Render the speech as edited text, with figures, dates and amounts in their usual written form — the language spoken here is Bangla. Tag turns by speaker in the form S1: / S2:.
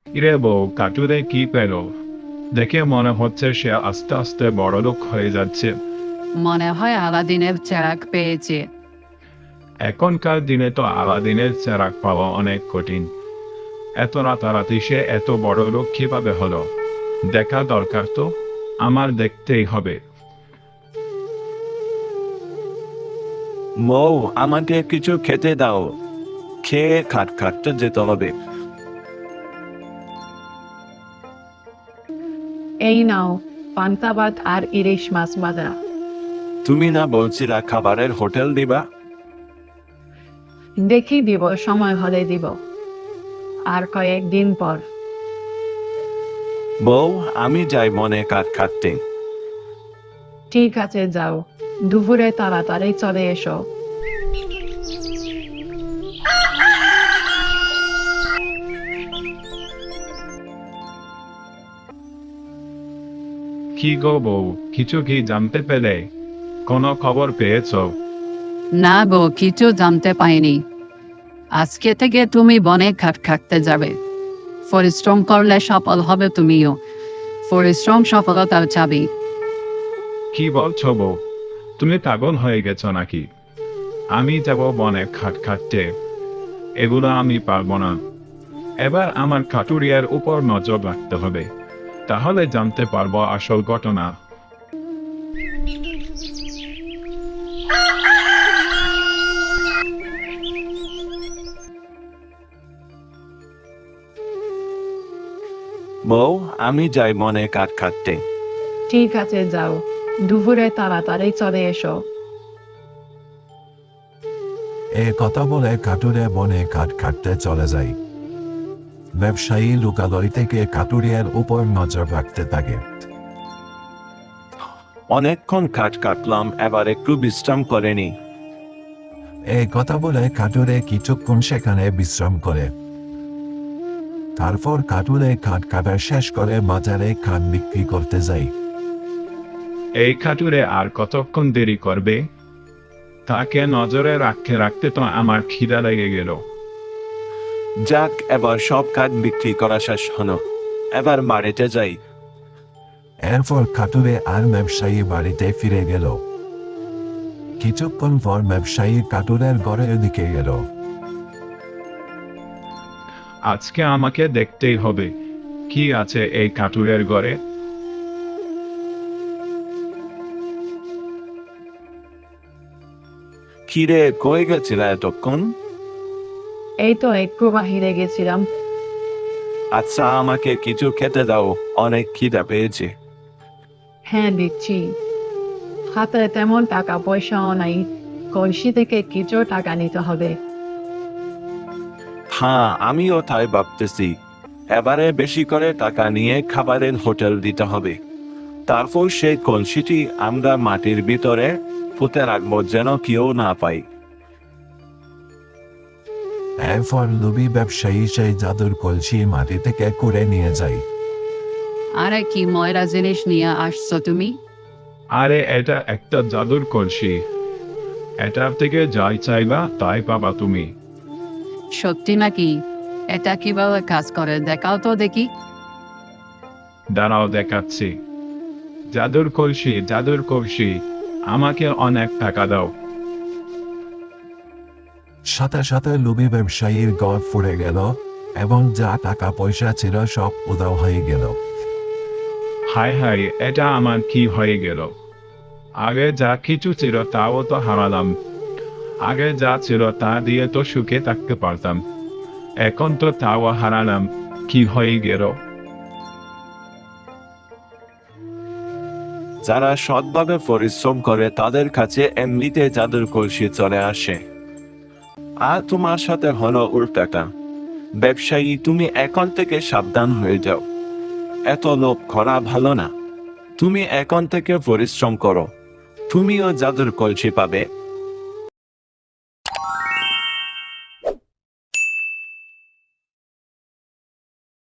S1: ইরে বউ, কাটুরে কি পেল? দেখে মনে হচ্ছে সে আস্তে আস্তে বড়লোক হয়ে যাচ্ছে।
S2: মনে হয় আলাদিনের চেরাগ পেয়েছে।
S1: এখনকার দিনে তো আলাদিনের চেরাগ পাওয়া অনেক কঠিন। এত রাতারাতি সে এত বড়লোক কিভাবে হলো? দেখা দরকার তো, আমার দেখতেই হবে।
S3: মৌ, আমাকে কিছু খেতে দাও। খেয়ে খাটতে যেতে হবে।
S4: এই নাও, পান্তা ভাত আর ইলিশ মাছ ভাজা।
S3: তুমি না বলছিলা খাবারের হোটেল দিবা?
S4: দেখি দিব, সময় হলে দিব। আর কয়েকদিন পর।
S3: বউ, আমি যাই মনে কাঠ কাটতে।
S4: ঠিক আছে, যাও। দুপুরে তাড়াতাড়ি চলে এসো।
S1: কি গো বউ, কিছু কি জানতে পেলে? কোনো খবর পেয়েছো?
S2: না গো, কিছু জানতে পাইনি। আজকে থেকে তুমি বনে খাটতে যাবে। পরিশ্রম করলে সফল হবে তুমিও। পরিশ্রম সফলতার চাবি।
S1: কি বলছো বউ? তুমি পাগল হয়ে গেছো নাকি? আমি যাব বনে খাটতে? এগুলো আমি পারবো না। এবার আমার কাটুরিয়ার উপর নজর রাখতে হবে, তাহলে জানতে পারবো আসল ঘটনা।
S3: বউ, আমি যাই মনে কাঠ কাটতে।
S4: ঠিক আছে, যাও। দুপুরে তাড়াতাড়ি চলে এসো।
S5: এ কথা বলে কাটুরে বনে কাঠ কাটতে চলে যায়। ব্যবসায়ী লোকালয় থেকে কাটুরিয়ার উপর নজর রাখতে থাকে।
S3: অনেকক্ষণ কাঠ কাটলাম, এবার একটু বিশ্রাম করে নি।
S5: এই কথা বলে কাটুরে কিছুক্ষণ সেখানে বিশ্রাম করে। তারপর কাটুরে কাঠ কাটা শেষ করে বাজারে কাঠ বিক্রি করতে যায়।
S1: এই কাটুরে আর কতক্ষণ দেরি করবে? তাকে নজরে রাখতে রাখতে তো আমার খিদা লেগে গেল।
S3: যাক, এবার সব কাঠ বিক্রি করা শেষ হলো। এবার বাড়িতে যাই।
S5: এরপর কাটুরে আর ব্যবসায়ী বাড়িতে ফিরে গেল। কিছুক্ষণ পর ব্যবসায়ী কাটুরের ঘরের দিকে গেল।
S1: আজকে আমাকে দেখতেই হবে কি আছে এই কাটুরের ঘরে।
S3: কিরে, কই গেছিলা এতক্ষণ?
S4: এই তো একটু বাহিরে গেছিলাম।
S3: আচ্ছা, আমাকে কিছু খেতে দাও, অনেক খিদা পেয়েছে।
S4: হ্যাঁ, দিচ্ছি। হাতে তেমন টাকা পয়সাও নাই। কলসি থেকে কিছু টাকা নিতে হবে।
S3: হ্যাঁ, আমিও তাই ভাবতেছি। এবারে বেশি করে টাকা নিয়ে খাবারের হোটেল দিতে হবে। তারপর সেই কলসিটি আমরা মাটির ভিতরে পুঁতে রাখবো, যেন কেউ না পায়।
S5: এরপর লোভী ব্যবসায়ী সেই জাদুর কলসি মাটি থেকে কুড়ে নিয়ে যায়।
S2: আরে কি ময়রা জিনিস নিয়ে আসছো তুমি?
S1: আরে এটা একটা জাদুর কলসি। এটার থেকে যাই চাইবা তাই পাবা তুমি।
S2: সত্যি নাকি? এটা কিভাবে কাজ করে দেখাও তো দেখি।
S1: দাঁড়াও, দেখাচ্ছি। জাদুর কলসি, জাদুর কলসি, আমাকে অনেক টাকা দাও।
S5: সাথে সাথে লোভী ব্যবসায়ীর ঘর ফুরে গেল এবং যা টাকা পয়সা ছিল সব উধাও হয়ে গেল।
S1: হায় হায়, এটা আমার কি হয়ে গেল? আগে যা কিছু ছিল তাও তো হারালাম। আগে যা ছিল তা দিয়ে তো সুখে থাকতে পারতাম, এখন তো তাও হারালাম। কি হয়ে গেল?
S3: যারা সৎভাবে পরিশ্রম করে তাদের কাছে এমনিতে জাদুর কলসি চলে আসে। আর তোমার সাথে হলো উল্টাটা। ব্যবসায়ী, তুমি এখন থেকে সাবধান হয়ে যাও। এত লোভ করা ভালো না। তুমি এখন থেকে পরিশ্রম করো, তুমিও জাদুর কলসি পাবে।